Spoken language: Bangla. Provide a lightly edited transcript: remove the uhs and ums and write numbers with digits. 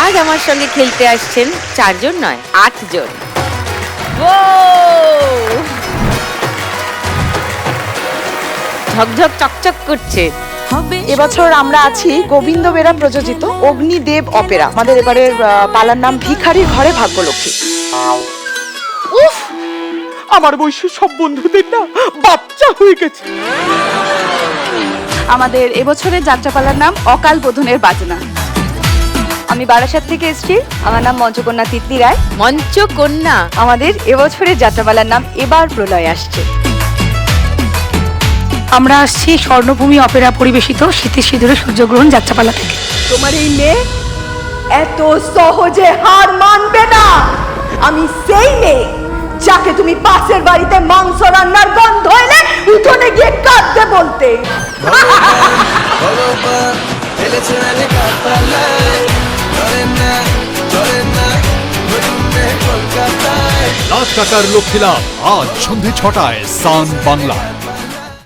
আজ আমার সঙ্গে খেলতে আসছেন 4 জন নয় 8 জন। ঝকঝক চকচক করছে। এবছর আমরা আছি গোবিন্দ বেরা প্রযোজিত অগ্নিদেব অপেরা। আমাদের এবারের পালার নাম ভিখারির ঘরে ভাগ্যলক্ষ্মী। উফ, আমার বয়সী সব বন্ধুদের না বাচ্চা হয়ে গেছে। আমাদের এবছরের যাত্রাপালার নাম অকাল বোধনের বাজনা। আমি বারাসাত থেকে এসেছি, আমার নাম মঞ্চকন্যা তিতলি রায়। মঞ্চকন্যা। আমাদের এবছরের যাত্রাপালার নাম এবার প্রলয় আসছে। আমরা আসছি স্বর্ণভূমি অপেরা পরিবেশিত শীতের সিঁদুরে সূর্যগ্রহণ যাত্রাপালা থেকে। তোমার এই মেয়ে এত সহজে হার মানবে না। আমি সেই মেয়ে যাকে তুমি পাশের বাড়িতে মাংস রান্নার গন্ধ এলে উঠোনে গিয়ে কাঁদতে বলতে। রাত কাটার লক্ষ্মী লাভ আজ সন্ধে 6টায় সান বাংলায়।